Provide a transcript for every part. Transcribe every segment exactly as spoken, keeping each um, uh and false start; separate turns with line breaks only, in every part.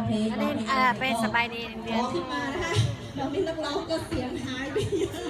เพลง
อันนี้เออเป็นสบายดีเดือน
ขึ้นมานะคะเรานี่นักร้องก็เสียงหายไปเยอะ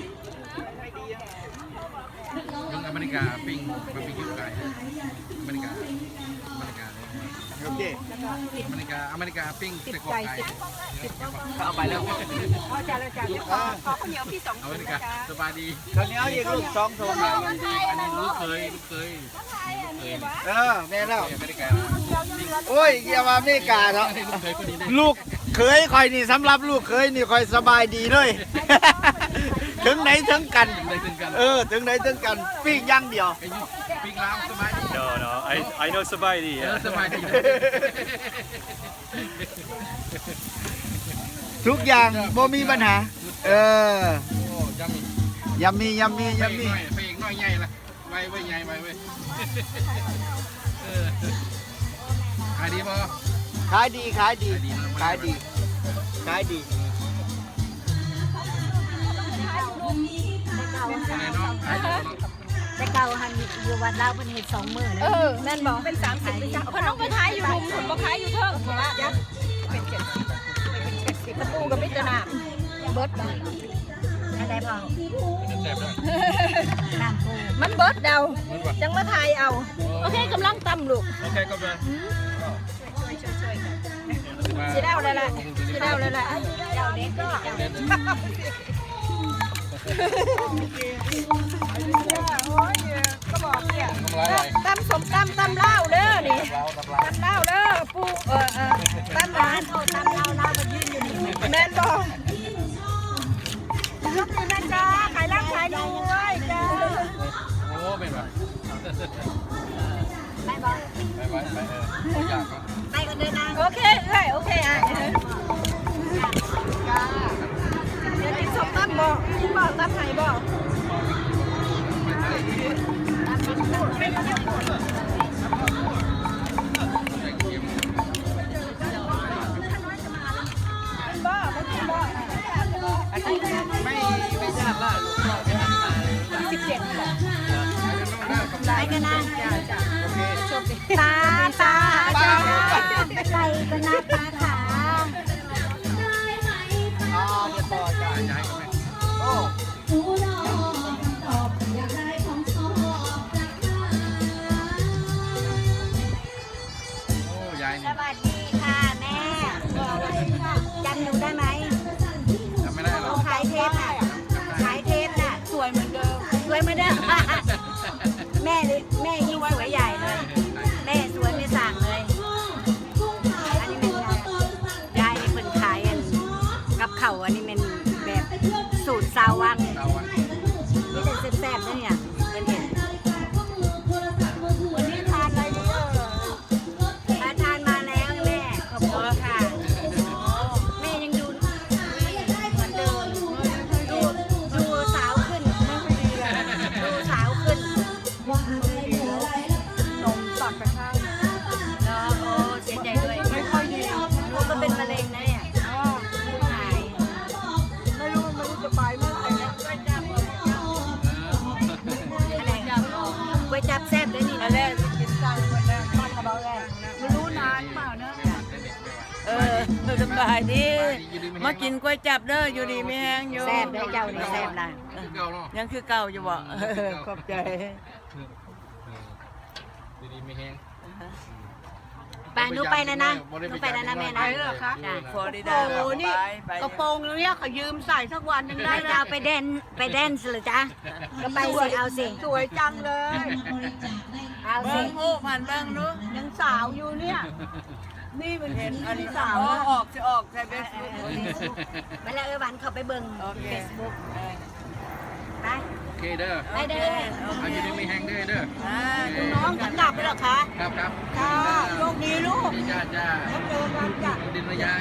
นักร้อง
ยังอเมริกาปิ้งบาร์บีคิวไก่อเมริกาอเมริกาโอเคอเมริกาอเมริกาปิ้งใส่กรอกไก่เอาไปแล้ว
พอจะเลยจ้ะขอขอข้าวเหนียวพี่สอง
อเมริกาสบายดี
ข้าวเหนียวอีกลูกสองถุง
อันนี้ลูกเคยลูกเคยลูกเคย
เออแม่แล้ว
อเมริกา
โอ้ยเกี่ยวมาอเมริกาเนาะ
ลูกเคยคนนี้ได้
ลูกเคยคอยนี่สำหรับลูกเคยนี่คอยสบายดีเลย ถึงไหนถึงกัน
ได้ถึงกัน
เออถึงไหนถึงกันปิ้งอย่างเดียว
ไอ้ยูปิ้งล้างสบายดี
No, no, I, I know Sabaidi.
เออ
Yeah.
สบายดี
ทุกอย่างบ่มีปัญหา เออ
โอ้ยำมี
ยำมียำมี
ไป
ยำ
อี
มี
กหน่อยไปอีกหน่อยใหญ่ละไปไว้ใหญ่ไปไว้เออขายดีป่ะ
ขายดีขายดีขายดีขายดี
อะไรเนาะขายดีเนาะ
แต่เก่าหันอยู่วัดลาวเป็นเห็ดสองมื้อ
เอ
นะ
อแม่นบอกเป็นสามสิบเป็นจ้าเขาต้องไปขายอยู่รุมผมมาขายอยู่เทิงเพราะว่าเป็นเจ็ดสิบเป็นเจ็ดสิบประตูกับมิตรนาเบิร์ดไป
อะไรพอ
แซ่บด้วย
น้ำปู
มันเบิร์ดเดาจังมาทายเอาโอเคกำลังตำลูก
โอเคก็ไป
สีดาวเลยแหละสีดาวเลยแหละ
เจ้าเด็กก็
โอ้ยก็บอกเนี่ย
ทำไรอะไร
ตำสมตำตำเล่าเด้อนี่
เราทำไร
ตำเล่าเด้อปูเออเออตำหวาน
เอาตำเราเราไปยืนอยู่นี่
แม่นบอกยกมือนะจ๊ะขายรักขายด้วยจ้า
โอ้เป็นแบบ
ไม่บอก
ไปไปไปเอออยากก็
ไปกันเลยนะ
โอเคเอ้ยโอเคอ่ะเดี๋ยวกินส้มตำบอกกินบอกตำไหนบอก
ไม่ไม่ทราบว่าลูกพ่อไปทำมา
สิบเจ็ด
ไปกันนะ
โอเค
ตาตาตาไปกันนะตาขา
อ๋อเดี๋ยวต่อจ้ะ
ย้ายก็ไม่
โอ้
หนูรอคำตอบอยากได้ของชอบจากเธอ
โอ้ย้าย
ส
นี่
วัสดีค่ะแม่จำหนูได้ไหม
ทำไม่ได้หร
เรา
อก
ขายเทปน่ะขายเทปน่ะ
สวยเหมือนเดิม
สวยเหมือนเดิม แม่เลยแม่ยิ่งสวยใหญ่เลย แม่สวยไม่สั่งเลย อันนี้เป็นยายนี่เป็นขายอันกับเขาวอันนี้เป็นแบบสูตรซาววัง
เอาอ่ะ
นี่เป็นแซ่บๆนะเนี่ยเป็นเห็น
วันนี้ทานอะไรดีเออ
ทานทานมาแล้วแม่ขอบคุณค่ะ แม่ยังดูเหมือนเดิมดูดูสาวขึ้นดูสาวขึ้น
นมสอดไปข้าง
แล้วโอ้เสียใจด้วยไม่ค่อยดีหนูก็เป็นมะเร็งนะเนี่ยหาย
ไม่รู้ไม่รู้จะไปเมื่อไหร่เนี่ย
อะไรก๋วยจับแซ่บด้วยนี่
อันแรกกินจังวันแรกทอดกระเบาแรกไม่รู้นานเปล่าเนอะ
เออสบายดี มากินก๋วยจับเด้ออยู่ดีไม่แห้งอยู่
แซ่บด้วยเจ้านี่แซ่บนะ
เก่าเนาะ
ยังคือเก่าอยู่บ่เออขอบใจ
ดีๆไม่แห้ง
ไปหนูไปแล้วนะหนูไปแล้วนะแม่นะ
ไปเหรอคะ
จ้ะ
ฟลอริดา
โอ้โหนี่
ไปไป
กระโปรงเนี่ยเขายืมใส่สักวันหนึง
ได้
ได้
จะเอาไปแดนไปแดนส์เหรอจ๊ะก็ไปสิเอาสิ
สวยจังเลย
เอาสิ
เบิ้งหูผ่านเบิ้งดู
ยังสาวอยู่เนี่ย นี่เป็น
เห็นอันนี้
สา
สาว วออกจะออกใช่เฟซบุ๊ก
ไปแล้วเออวันเขาไปเบิ่ง
โอเค
เฟซบุ๊กไป
โอเคเด้อ
ไปเด้อ
เอาอยู่ดีไม่แห้งเด้อเด้อ
อ่า
น้องจะกลับไปเหรอคะ
ครับครับ
ค่ะโชคดีลูก
ดีจ้าจ้า
แล้วเจอกันจ้ะ
ดินระยาย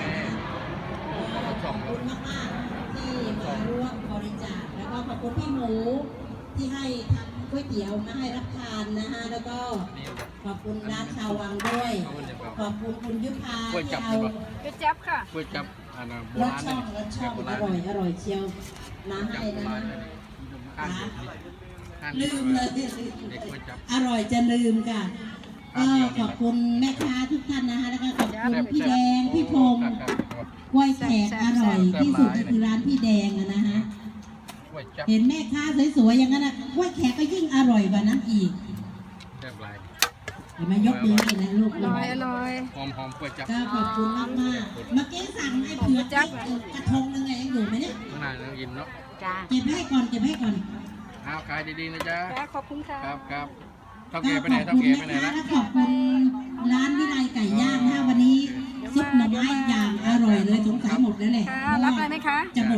สอง
ขอบคุณมากๆที่มาร่วมบริจาคแล้วก็ขอบคุณพี่หมูที่ให้ทำก๋วยเตี๋ยวมาให้รับทานนะฮะแล้วก็ขอบคุณร้านชาววังด้วย ขอบคุณคุณยุพาที่เอา
ไปจับค่ะ
ก๋วยจับอันนั้นโบ
รส
ราณ
ช่องรสช่องอร่อยอร่อยเชียวน้ำ
จับ
ให้
โบ
นะ
ราณ
คะ
อ่าน
ลืมเลย
เด็กก๋วยจับ
อร่อยจะลืมค่ะก็ขอบคุณแม่ค้าทุกท่านนะคะแล้วก็ขอบคุณพี่แดงพี่พงศ์กล้วยแขกอร่อยที่สุดก็คือร้านพี่แดงอะนะฮะเห็นแม่ค้าสวยๆอย่างนั้นนะกล้วยแขกก็ยิ่งอร่อยกว่านั้นอีก
แซ่บหลาย
เห็นไหมยกมือเลยนะลูก
อร่อยอร่อย
หอมหอมกล้วยจับ
ก็ขอบคุณมากมากๆเมื่อกี้สั่งไอ้เผือกจับกระทงนึงไงยังอยู่ไหมเนี่ย
ข้างในเราอิ่มเนาะ
จ้า
เก็บให้ก่อนเก็บให้ก่อน
เอาขายดีๆนะจ๊ะ
ขอบคุณค่ะ
ครับครับเท่า
ก็
แก่ไป
ข
ไหน
อบ
เท่า
คุณ
แก่ไป
แม่
ไหน
ค้า
ละ
และขอบคุณร้านวิไลไก่ย่างนะวันนี้ซุปหน่อไม้อย่างอร่อยเลยสงสัยหมดแล้วแหละ
ค่ะรับเลยไหมคะ
จะหมด